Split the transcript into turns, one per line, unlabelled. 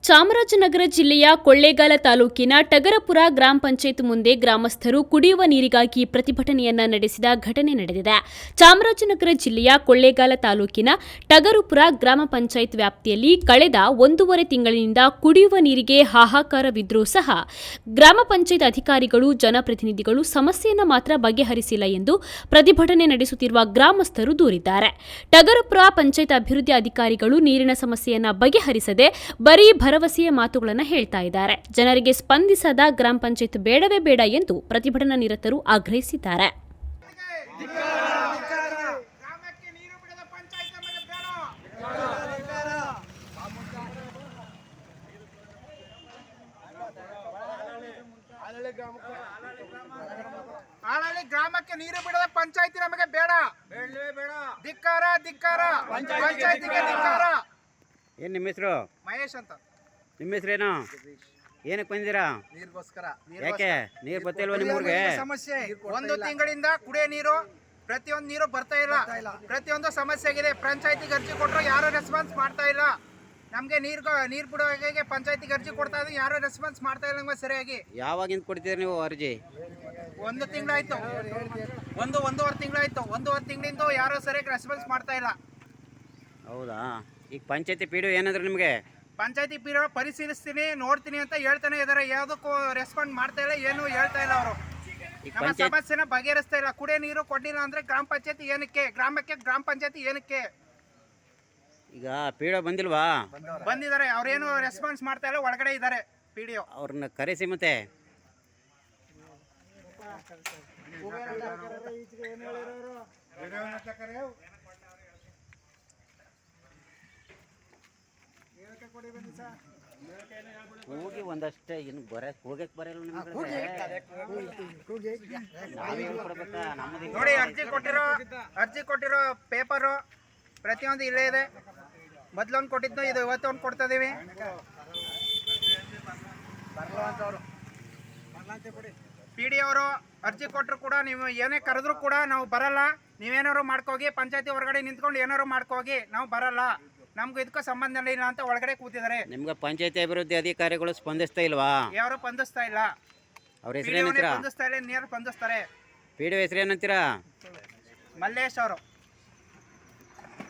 ಚಾಮರಾಜನಗರ ಜಿಲ್ಲೆಯ ಕೊಳ್ಳೇಗಾಲ ತಾಲೂಕಿನ ಟಗರಪುರ ಗ್ರಾಮ ಪಂಚಾಯತ್ ಮುಂದೆ ಗ್ರಾಮಸ್ಥರು ಕುಡಿಯುವ ನೀರಿಗಾಗಿ ಪ್ರತಿಭಟನೆಯನ್ನ ನಡೆಸಿದ ಘಟನೆ ನಡೆದಿದೆ. ಚಾಮರಾಜನಗರ ಜಿಲ್ಲೆಯ ಕೊಳ್ಳೇಗಾಲ ತಾಲೂಕಿನ ಟಗರಪುರ ಗ್ರಾಮ ಪಂಚಾಯತ್ ವ್ಯಾಪ್ತಿಯಲ್ಲಿ ಕಳೆದ 1.5 ತಿಂಗಳಿನಿಂದ ಕುಡಿಯುವ ನೀರಿಗೆ ಹಾಹಾಕಾರವಿದ್ರೂ ಸಹ ಗ್ರಾಮ ಪಂಚಾಯತ್ ಅಧಿಕಾರಿಗಳು, ಜನಪ್ರತಿನಿಧಿಗಳು ಸಮಸ್ಯೆಯನ್ನು ಮಾತ್ರ ಬಗೆಹರಿಸಿಲ್ಲ ಎಂದು ಪ್ರತಿಭಟನೆ ನಡೆಸುತ್ತಿರುವ ಗ್ರಾಮಸ್ಥರು ದೂರಿದ್ದಾರೆ. ಟಗರಪುರ ಪಂಚಾಯತ್ ಅಭಿವೃದ್ಧಿ ಅಧಿಕಾರಿಗಳು ನೀರಿನ ಸಮಸ್ಯೆಯನ್ನು ಬಗೆಹರಿಸದೆ ಬರೀ ಭರವಸೆಯ ಮಾತುಗಳನ್ನು ಹೇಳ್ತಾ ಇದ್ದಾರೆ. ಜನರಿಗೆ ಸ್ಪಂದಿಸದ ಗ್ರಾಮ ಪಂಚಾಯತ್ ಬೇಡವೇ ಬೇಡ ಎಂದು ಪ್ರತಿಭಟನಾ ನಿರತರು ಆಗ್ರಹಿಸಿದ್ದಾರೆ.
ಗ್ರಾಮಕ್ಕೆ ನೀರು ಬಿಡದ ಪಂಚಾಯತಿ ನಮಗೆ ಬೇಡ, ಧಿಕ್ಕಾರ ಧಿಕ್ಕಾರ, ಪಂಚಾಯತಿಗೆ ಧಿಕ್ಕಾರ.
ಏನು ನಿಮ್ಮ ಹೆಸರು?
ಮಹೇಶ್ ಅಂತ.
ನಿಮ್ಮ ಹೆಸರೇನು? ಏನಕ್ಕೆ ಬಂದಿರಾ?
ನೀರಿಗೋಸ್ಕರ.
ಯಾಕೆ ನೀರು ಬರ್ತಿಲ್ವ ನಿಮ್ಮೂರಿಗೆ?
ಸಮಸ್ಯೆ 1 ತಿಂಗಳಿಂದ ಕುಡಿಯೋ ನೀರು ಪ್ರತಿಯೊಂದು ನೀರು ಬರ್ತಾ ಇಲ್ಲ. ಪ್ರತಿಯೊಂದು ಸಮಸ್ಯೆ ಆಗಿದೆ. ಪಂಚಾಯತಿಗೆ ಅರ್ಜಿ ಕೊಟ್ಟರು ಯಾರು ರೆಸ್ಪಾನ್ಸ್ ಮಾಡ್ತಾ ಇಲ್ಲ. ನಮಗೆ ನೀರು ಬಿಡುವಾಗೆ ಪಂಚಾಯತಿಗೆ ಅರ್ಜಿ ಕೊಡ್ತಾ ಇದ್ದೀವಿ, ಯಾರು ರೆಸ್ಪಾನ್ಸ್ ಮಾಡ್ತಾ ಇಲ್ಲ ನಮಗೆ ಸರಿಯಾಗಿ.
ಯಾವಾಗಿಂದ ಕೊಡ್ತೀರಿ ನೀವು ಅರ್ಜಿ?
1 ತಿಂಗಳಾಯ್ತು, 1.5 ತಿಂಗಳಾಯ್ತು. 1.5 ತಿಂಗಳಿಂದ ಯಾರು ಸರಿಯಾಗಿ ರೆಸ್ಪಾನ್ಸ್ ಮಾಡ್ತಾ ಇಲ್ಲ.
ಹೌದಾ? ಈಗ ಪಂಚಾಯತಿ ಪಿ ಡಿ ಏನಂದ್ರೆ ನಿಮಗೆ?
ಪಂಚಾಯತಿ ಪಿ ಡಿ ಪರಿಶೀಲಿಸ್ತೀನಿ, ನೋಡ್ತೀನಿ ಅಂತ ಹೇಳ್ತಾನೆ ಇದ್ದಾರೆ. ಯಾವುದಕ್ಕೂ ರೆಸ್ಪಾಂಡ್ ಮಾಡ್ತಾ ಇಲ್ಲ, ಏನು ಹೇಳ್ತಾ ಇಲ್ಲ ಅವರು. ನಮ್ಮ ಸಮಸ್ಯೆನ ಬಗೆಹರಿಸ್ತಾ ಇಲ್ಲ. ಕುಡಿಯೋ ನೀರು ಕೊಡ್ಲಿಲ್ಲ ಅಂದ್ರೆ ಗ್ರಾಮ ಪಂಚಾಯತಿ ಏನಕ್ಕೆ, ಗ್ರಾಮ ಪಂಚಾಯತಿ ಏನಕ್ಕೆ?
ಈಗ ಪಿ ಡಿ ಬಂದಿಲ್ವಾ?
ಬಂದಿದ್ದಾರೆ, ಅವ್ರೇನು ರೆಸ್ಪಾನ್ಸ್ ಮಾಡ್ತಾ ಇಲ್ಲ, ಒಳಗಡೆ ಇದ್ದಾರೆ ಪಿ ಡಿ.
ಅವ್ರನ್ನ ಕರೆಸಿ ಮತ್ತೆ. ಹೋಗಿ ಒಂದಷ್ಟೇ ಇನ್ನು ಹೋಗಕ್ಕೆ ಬರಲ್ಲ ನಿಮ್ಗೆ.
ನೋಡಿ, ಅರ್ಜಿ ಕೊಟ್ಟಿರೋ ಪೇಪರು ಪ್ರತಿಯೊಂದು ಇಲ್ಲೇ ಇದೆ. ಮೊದಲೊಂದು ಕೊಟ್ಟಿದ್ದು, ಇದು ಇವತ್ತೊಂದು ಕೊಡ್ತಾ ಇದೀವಿ. ಪಿ ಡಿ ಅವರು ಅರ್ಜಿ ಕೊಟ್ಟರು ಕೂಡ ನೀವು ಏನೇ ಕರೆದ್ರು ಕೂಡ ನಾವು ಬರಲ್ಲ, ನೀವೇನಾದ್ರು ಮಾಡ್ಕೋಗಿ, ಪಂಚಾಯತಿ ಹೊರಗಡೆ ನಿಂತ್ಕೊಂಡು ಏನಾದ್ರು ಮಾಡ್ಕೋಗಿ, ನಾವು ಬರಲ್ಲ, ನಮ್ಗೆ ಇದಕ್ಕೂ ಸಂಬಂಧ ಇಲ್ಲ ಅಂತ ಒಳಗಡೆ ಕೂತಿದ್ದಾರೆ.
ನಿಮ್ಗೆ ಪಂಚಾಯತಿ ಅಭಿವೃದ್ಧಿ ಅಧಿಕಾರಿಗಳು ಸ್ಪಂದಿಸ್ತಾ ಇಲ್ವಾ?
ಯಾರು ಸ್ಪಂದಿಸ್ತಾ ಇಲ್ಲ.
ಅವ್ರ ಹೆಸರೇನಂತೀರಾ?
ಸ್ಪಂದಿಸ್ತಾ ಇಲ್ಲ, ನೇರ ಸ್ಪಂದಿಸ್ತಾರೆ.
ಪಿ ಡಿ ಹೆಸರೇನಂತೀರಾ?
ಮಲ್ಲೇಶ್ ಅವರು.